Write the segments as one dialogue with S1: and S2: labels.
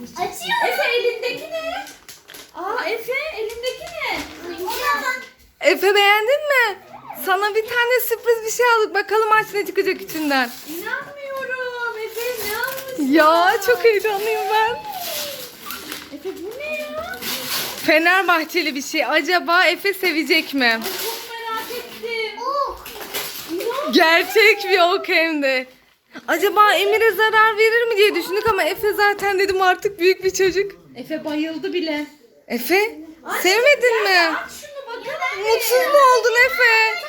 S1: Açıyor.
S2: Efe elindeki ne? Aa Efe elindeki ne?
S3: Efe beğendin mi? Sana bir tane sürpriz bir şey aldık. Bakalım aç ne çıkacak içinden.
S2: İnanmıyorum. Efe ne almışsın?
S3: Ya çok heyecanlıyım ben.
S2: Efe bu ne ya?
S3: Fenerbahçeli bir şey. Acaba Efe sevecek mi?
S2: Ay çok merak ettim. İnan.
S3: Gerçek bir ok hem de. Acaba Emir'e zarar verir mi diye düşündük ama Efe zaten dedim artık büyük bir çocuk.
S2: Efe bayıldı bile.
S3: Efe sevmedin mi?
S2: Aç şunu bakalım.
S3: Mutsuz mu oldun Efe?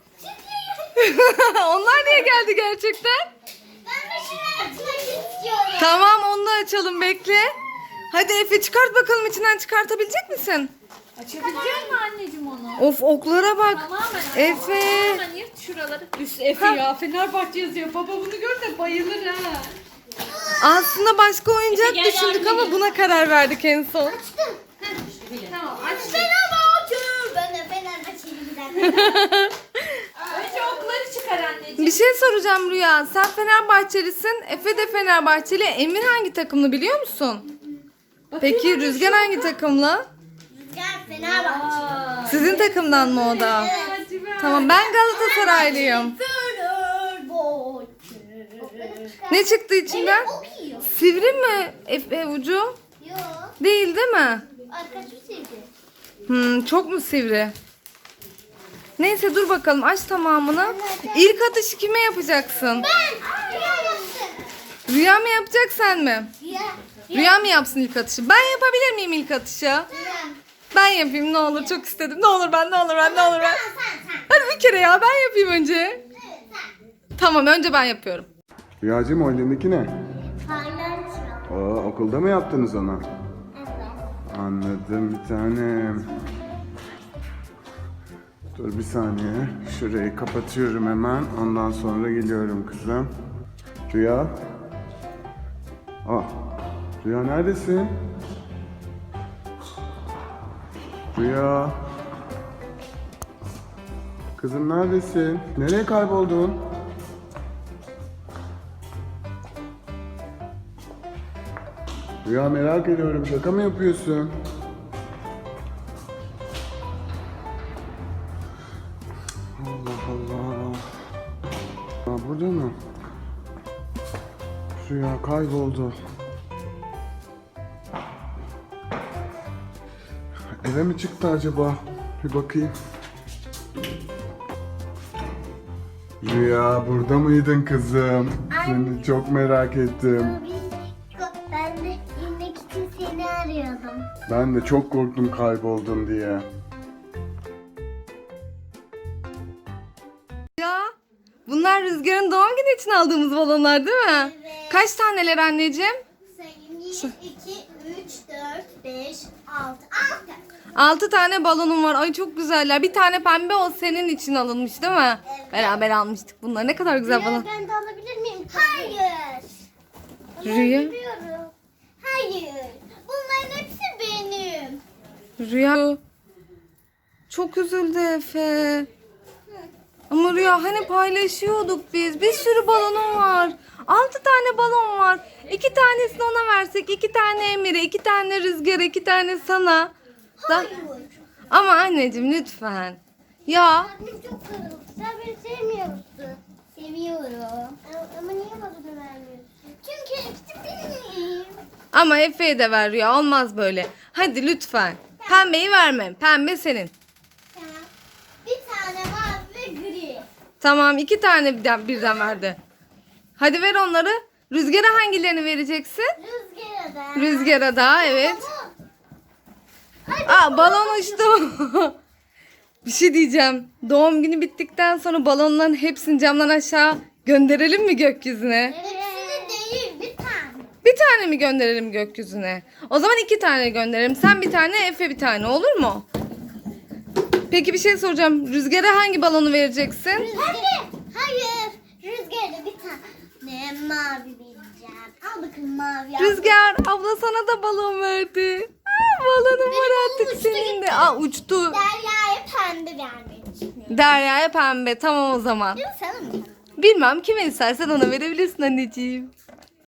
S3: Onlar niye geldi gerçekten?
S1: Ben de şunu açmak istiyorum.
S3: Tamam onu da açalım bekle. Hadi Efe çıkart bakalım içinden çıkartabilecek misin?
S2: Açabilecek mi anneciğim onu?
S3: Of oklara bak.
S2: Tamamen.
S3: Efe.
S2: Tamamen yırt şuraları. Üst Efe ya Fenerbahçe yazıyor. Baba bunu gör de bayılır ha.
S3: Aslında başka oyuncak
S2: Efe, gel
S3: düşündük
S2: yardım
S3: ama
S2: edin.
S3: buna karar verdik en son.
S2: Tamam aç.
S1: Fenerbahçe. Ben de Fenerbahçeliyim.
S2: Önce okları çıkar anneciğim.
S3: Bir şey soracağım Rüya. Sen Fenerbahçelisin. Efe de Fenerbahçeli. Emir hangi takımlı biliyor musun? Peki Rüzgar hangi takımlı?
S1: Rüzgar Fenerbahçe.
S3: Sizin takımdan mı o da?
S2: Hadi be.
S3: Tamam ben Galatasaraylıyım.
S1: Fenerbahçe.
S3: Ne çıktı içinden?
S1: Ok yiyor.
S3: Sivri mi Efe ucu?
S1: Yok.
S3: Değil değil mi?
S1: Arkadaşım sevdi.
S3: Çok mu sivri? Neyse dur bakalım aç tamamını. İlk atışı kime yapacaksın?
S1: Ben. Rüya yaptım.
S3: Rüya mı yapacak sen mi?
S1: Rüya.
S3: Rüya mı yapsın ilk atışı? Ben yapabilir miyim ilk atışı?
S1: Rüya.
S3: Ben yapayım ne olur çok istedim. Ne olur ben ne olur ben ne olur ben.
S1: Sen.
S3: Hadi bir kere ya ben yapayım önce.
S1: Evet sen.
S3: Tamam önce ben yapıyorum.
S4: Rüyacığım o elindeki ne?
S1: Paylaşma.
S4: Okulda mı yaptınız onu?
S1: Evet.
S4: Anladım bir tanem. Dur bir saniye. Şurayı kapatıyorum hemen. Ondan sonra geliyorum kızım. Rüya. Rüya neredesin? Rüya. Kızım neredesin? Nereye kayboldun? Rüya merak ediyorum. Şaka mı yapıyorsun? Allah Allah. Burada mı? Rüya kayboldu. Eve mi çıktı acaba? Bir bakayım. Rüya burada mıydın kızım? Seni çok merak ettim.
S1: Ben de inmek için seni arıyordum.
S4: Ben de çok korktum kayboldun diye.
S3: Ya bunlar Rüzgar'ın doğum günü için aldığımız balonlar değil mi?
S1: Evet.
S3: Kaç taneler anneciğim?
S1: Sayayım 1, 2, 3, 4, 5, 6.
S3: 6 tane balonum var. Ay çok güzeller. Bir tane pembe o senin için alınmış değil mi?
S1: Evet.
S3: Beraber almıştık bunlar. Ne kadar güzel balon.
S1: Ben de alabilir miyim? Hayır.
S3: Rüya.
S1: Alabiliyorum. Hayır. Bunların hepsi benim.
S3: Rüya çok üzüldü Efe. Ama Rüya hani paylaşıyorduk biz. Bir sürü balonum var. 6 tane balon var. 2 tanesini ona versek, 2 tane Emir'e, 2 tane Rüzgar'a, 2 tane sana.
S1: Hayır.
S3: Ama anneciğim lütfen. Ya
S1: Kalbim çok kırıldı. Sen beni sevmiyorsun. Seviyorum. Ama niye bana da vermiyorsun? Çünkü hepsi benim.
S3: ama Efe'ye de ver Rüya. Olmaz böyle. Hadi lütfen. Pembeyi vermem. Pembe senin.
S1: Tamam. Bir tane mavi ve gri.
S3: Tamam 2 tane birden verdi. hadi ver onları. Rüzgar'a hangilerini vereceksin?
S1: Rüzgara da.
S3: Rüzgar'a da evet.
S1: Hadi.
S3: Balon uçtu. Bir şey diyeceğim. Doğum günü bittikten sonra balonların hepsini camdan aşağı gönderelim mi gökyüzüne?
S1: Hepsini değil bir tane.
S3: Bir tane mi gönderelim gökyüzüne? O zaman 2 tane gönderelim. Sen bir tane, Efe bir tane olur mu? Peki bir şey soracağım. Rüzgar'a hangi balonu vereceksin?
S1: Rüzgar. Hayır. Rüzgarda bir tane mavi vereceğim. Al bakalım mavi. al.
S3: Rüzgar abla sana da balon verdi. Balonum var
S1: Benim
S3: artık
S1: uçtu
S3: senin de.
S1: gitti.
S3: Uçtu.
S1: Derya'ya pembe vermeyi düşünüyorum.
S3: Derya'ya pembe. Tamam o zaman.
S1: Değil mi sana mı?
S3: Bilmem kime istersen ona verebilirsin anneciğim.